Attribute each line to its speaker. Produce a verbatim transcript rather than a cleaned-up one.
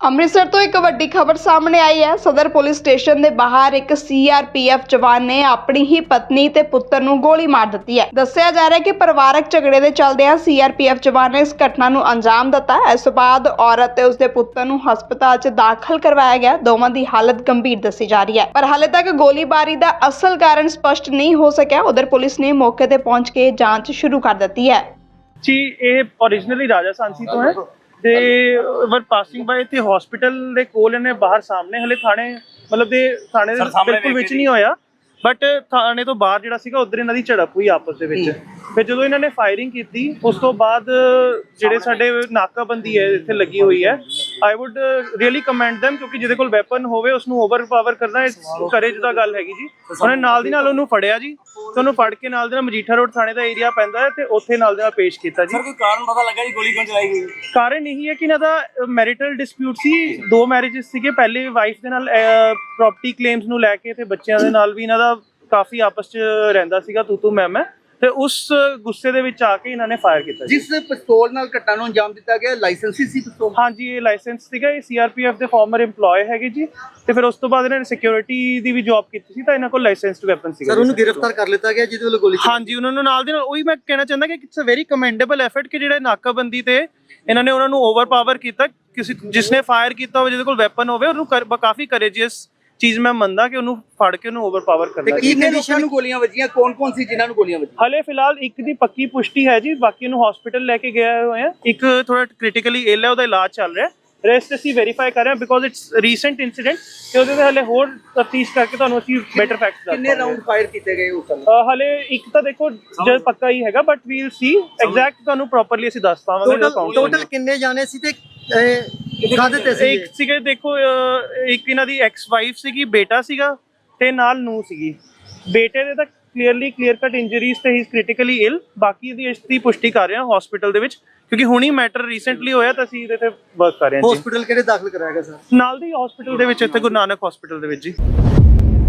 Speaker 1: ਅੰਮ੍ਰਿਤਸਰ ਤੋਂ ਇੱਕ ਵੱਡੀ ਖਬਰ ਸਾਹਮਣੇ ਆਈ ਹੈ। ਸਦਰ ਪੁਲਿਸ ਸਟੇਸ਼ਨ ਦੇ ਬਾਹਰ ਇੱਕ ਸੀ ਆਰ ਪੀ ਐਫ ਜਵਾਨ ਨੇ ਆਪਣੀ ਹੀ ਪਤਨੀ ਤੇ ਪੁੱਤਰ ਨੂੰ ਗੋਲੀ ਮਾਰ ਦਿੱਤੀ ਹੈ। ਦੱਸਿਆ ਜਾ ਰਿਹਾ ਹੈ ਕਿ ਪਰਿਵਾਰਕ ਝਗੜੇ ਦੇ ਚੱਲਦਿਆਂ ਸੀ ਆਰ ਪੀ ਐਫ ਜਵਾਨ ਨੇ ਇਸ ਘਟਨਾ ਨੂੰ ਅੰਜਾਮ ਦਿੱਤਾ। ਇਸ ਤੋਂ ਬਾਅਦ ਔਰਤ ਤੇ ਉਸਦੇ ਪੁੱਤਰ ਨੂੰ ਹਸਪਤਾਲ 'ਚ ਦਾਖਲ ਕਰਵਾਇਆ ਗਿਆ। ਦੋਵਾਂ ਦੀ ਹਾਲਤ ਗੰਭੀਰ ਦੱਸੀ ਜਾ ਰਹੀ ਹੈ, ਪਰ ਹਾਲੇ ਤੱਕ ਗੋਲੀਬਾਰੀ ਦਾ ਅਸਲ ਕਾਰਨ ਸਪਸ਼ਟ ਨਹੀਂ ਹੋ ਸਕਿਆ। ਉਧਰ ਪੁਲਿਸ ਨੇ ਮੌਕੇ ਤੇ ਪਹੁੰਚ ਕੇ ਜਾਂਚ ਸ਼ੁਰੂ ਕਰ ਦਿੱਤੀ ਹੈ।
Speaker 2: ਜੀ ਇਹ ओरिजिनली राजा सांसी तो है ਤੇ ਵਰ ਪਾਸਿੰਗ ਬਾਏ ਤੇ ਹਸਪੀਟਲ ਦੇ ਕੋਲ ਇਹਨੇ ਬਾਹਰ ਸਾਹਮਣੇ ਹਲੇ ਥਾਣੇ ਮਤਲਬ ਦੇ ਥਾਣੇ ਦੇ ਬਿਲਕੁਲ ਵਿੱਚ ਨਹੀਂ ਹੋਇਆ, ਬਟ ਥਾਣੇ ਤੋਂ ਬਾਹਰ ਜਿਹੜਾ ਸੀਗਾ ਉਧਰ ਇਹਨਾਂ ਦੀ ਝੜਪ ਹੋਈ ਆਪਸ ਦੇ ਵਿੱਚ। ਫਿਰ ਜਦੋਂ ਇਹਨਾਂ ਨੇ ਫਾਇਰਿੰਗ ਕੀਤੀ ਉਸ ਤੋਂ ਬਾਅਦ ਜਿਹੜੇ ਸਾਡੇ ਨਾਕਾਬੰਦੀ ਹੈ ਇੱਥੇ ਲੱਗੀ ਹੋਈ ਹੈ, I would really commend them ਕਿਉਂਕਿ ਜਿਹਦੇ ਕੋਲ ਵੈਪਨ ਹੋਵੇ ਉਸ ਨੂੰ ਓਵਰਪਾਵਰ ਕਰਨਾ ਕਰੇਜ ਦਾ ਗੱਲ ਹੈਗੀ ਜੀ। ਉਹਨੇ ਨਾਲ ਦੀ ਨਾਲ ਉਹਨੂੰ ਫੜਿਆ ਜੀ ਤੇ ਉਹਨੂੰ ਫੜ ਕੇ ਨਾਲ ਦੇ ਨਾਲ ਮਜੀਠਾ ਰੋਡ ਥਾਣੇ ਦਾ ਏਰੀਆ ਪੈਂਦਾ ਹੈ ਤੇ ਉੱਥੇ ਨਾਲ ਦੇ ਨਾਲ ਪੇਸ਼ ਕੀਤਾ ਜੀ।
Speaker 3: ਸਰ ਕੋਈ ਕਾਰਨ ਪਤਾ ਲੱਗਾ ਜੀ ਗੋਲੀ ਕਿਉਂ ਚਲਾਈ ਗਈ?
Speaker 2: ਕਾਰਨ ਇਹੀ ਹੈ ਕਿ ਇਹਨਾਂ ਦਾ ਮੈਰਿਟਲ ਡਿਸਪਿਊਟ ਸੀ, ਦੋ ਮੈਰਿਜਸ ਸੀਗੇ। ਪਹਿਲੇ ਵਾਈਫ ਦੇ ਨਾਲ ਪ੍ਰੋਪਰਟੀ ਕਲੇਮਸ ਨੂੰ ਲੈ ਕੇ ਤੇ ਬੱਚਿਆਂ ਦੇ ਨਾਲ ਵੀ ਇਹਨਾਂ ਦਾ ਕਾਫੀ ਆਪਸ ਚ ਰਹਿੰਦਾ ਸੀਗਾ ਤੂੰ ਤੂੰ ਮੈਂ ਮੈਂ, ਤੇ ਉਸ ਗੁੱਸੇ ਦੇ ਵਿੱਚ ਆ ਕੇ ਇਹਨਾਂ ਨੇ ਫਾਇਰ ਕੀਤਾ।
Speaker 3: ਜਿਸ ਪਿਸਤੌਲ ਨਾਲ ਘਟਨਾ ਨੂੰ ਅੰਜਾਮ ਦਿੱਤਾ ਗਿਆ ਲਾਇਸੈਂਸੀ ਸੀ ਪਿਸਤੌਲ?
Speaker 2: ਹਾਂਜੀ ਇਹ ਲਾਇਸੈਂਸ ਸੀਗਾ, ਇਹ ਸੀ ਆਰ ਪੀ ਐਫ ਦੇ ਫਾਰਮਰ EMPLOYE ਹੈਗੇ ਜੀ। ਤੇ ਫਿਰ ਉਸ ਤੋਂ ਬਾਅਦ ਇਹਨਾਂ ਨੇ ਸਿਕਿਉਰਿਟੀ ਦੀ ਵੀ ਜੌਬ ਕੀਤੀ ਸੀ ਤਾਂ ਇਹਨਾਂ ਕੋਲ ਲਾਇਸੈਂਸਡ ਵੈਪਨ ਸੀਗਾ।
Speaker 3: ਸਰ ਉਹਨੂੰ ਗ੍ਰਿਫਤਾਰ ਕਰ ਲਿੱਤਾ ਗਿਆ ਜਿਹਦੇ ਵੱਲੋਂ ਗੋਲੀ?
Speaker 2: ਹਾਂਜੀ ਉਹਨਾਂ ਨੂੰ ਨਾਲ ਦੇ ਨਾਲ ਉਹੀ ਮੈਂ ਕਹਿਣਾ ਚਾਹੁੰਦਾ ਕਿ it's a very commendable effort ਕਿ ਜਿਹੜੇ ਨਾਕਾਬੰਦੀ ਤੇ ਇਹਨਾਂ ਨੇ ਉਹਨਾਂ ਨੂੰ ਓਵਰਪਾਵਰ ਕੀਤਾ। ਕਿਸੇ ਜਿਸਨੇ ਫਾਇਰ ਕੀਤਾ ਹੋਵੇ ਜਿਹਦੇ ਕੋਲ ਵੈਪਨ ਹੋਵੇ ਉਹਨੂੰ ਕਾਫੀ ਕਰੇਜੀਅਸ ਚੀਜ਼ ਮੈਂ ਮੰਨਦਾ ਕਿ ਉਹਨੂੰ ਫੜ ਕੇ ਉਹਨੂੰ ਓਵਰਪਾਵਰ ਕਰਨਾ।
Speaker 3: ਕਿੰਨੇ ਲੋਕਾਂ ਨੂੰ ਗੋਲੀਆਂ ਵੱਜੀਆਂ, ਕੌਣ ਕੌਣ ਸੀ ਜਿਨ੍ਹਾਂ ਨੂੰ ਗੋਲੀਆਂ ਵੱਜੀਆਂ?
Speaker 2: ਹਲੇ ਫਿਲਹਾਲ ਇੱਕ ਦੀ ਪੱਕੀ ਪੁਸ਼ਟੀ ਹੈ ਜੀ, ਬਾਕੀ ਨੂੰ ਹਸਪੀਟਲ ਲੈ ਕੇ ਗਏ ਹੋਏ ਆ। ਇੱਕ ਥੋੜਾ ਕ੍ਰਿਟੀਕਲੀ ਇਲ ਹੈ, ਉਹਦਾ ਇਲਾਜ ਚੱਲ ਰਿਹਾ। ਰੈਸਟ ਅਸੀਂ ਵੈਰੀਫਾਈ ਕਰ ਰਹੇ ਹਾਂ ਬਿਕੋਜ਼ ਇਟਸ ਰੀਸੈਂਟ ਇਨਸੀਡੈਂਟ ਤੇ ਉਹਦੇ ਤੇ ਹਲੇ ਹੋਰ ਤਫਤੀਸ਼ ਕਰਕੇ ਤੁਹਾਨੂੰ ਅਸੀਂ ਬੈਟਰ ਫੈਕਟਸ ਦੱਸਾਂਗੇ।
Speaker 3: ਕਿੰਨੇ ਰਾਉਂਡ ਫਾਇਰ ਕੀਤੇ ਗਏ ਉਸ ਸਮੇਂ?
Speaker 2: ਹਲੇ ਇੱਕ ਤਾਂ ਦੇਖੋ ਜੇ ਪੱਕਾ ਹੀ ਹੈਗਾ, ਬਟ ਵੀਲ ਸੀ ਐਗਜ਼ੈਕਟ ਤੁਹਾਨੂੰ ਪ੍ਰੋਪਰਲੀ ਅਸੀਂ ਦੱਸ ਪਾਵਾਂਗੇ।
Speaker 3: ਟੋਟਲ ਕਿੰਨੇ ਜਾਣੇ ਸੀ ਤੇ ਕਾਹਦੇ ਤੇ ਸੀ?
Speaker 2: ਇੱਕ ਸੀਗੇ ਦੇਖੋ ਇੱਕ ਇਹਨਾਂ ਦੀ ਐਕਸ ਵਾਈਫ ਸੀਗੀ, ਬੇਟਾ ਸੀਗਾ ਤੇ ਨਾਲ ਨੂੰ ਸੀਗੀ। ਬੇਟੇ ਦੇ ਤਾਂ ਕਲੀਅਰਲੀ ਕਲੀਅਰ ਕੱਟ ਇੰਜਰੀਜ਼ ਤੇ ਹੀ ਇਜ਼ ਕ੍ਰਿਟੀਕਲੀ ਇਲ। ਬਾਕੀ ਦੀ ਇਸ ਦੀ ਪੁਸ਼ਟੀ ਕਰ ਰਹੇ ਹਾਂ ਹਸਪੀਟਲ ਦੇ ਵਿੱਚ ਕਿਉਂਕਿ ਹੁਣੀ ਮੈਟਰ ਰੀਸੈਂਟਲੀ ਹੋਇਆ ਤਾਂ ਅਸੀਂ ਇਹਦੇ ਤੇ ਵਰਕ ਕਰ ਰਹੇ ਹਾਂ ਜੀ।
Speaker 3: ਹਸਪੀਟਲ ਕਿਹੜੇ ਦਾਖਲ ਕਰਾਇਆ ਗਿਆ ਸਰ?
Speaker 2: ਨਾਲ ਦੀ ਹਸਪੀਟਲ ਦੇ ਵਿੱਚ ਇੱਥੇ ਗੁਰੂ ਨਾਨਕ ਹਸਪੀਟਲ ਦੇ ਵਿੱਚ ਜੀ।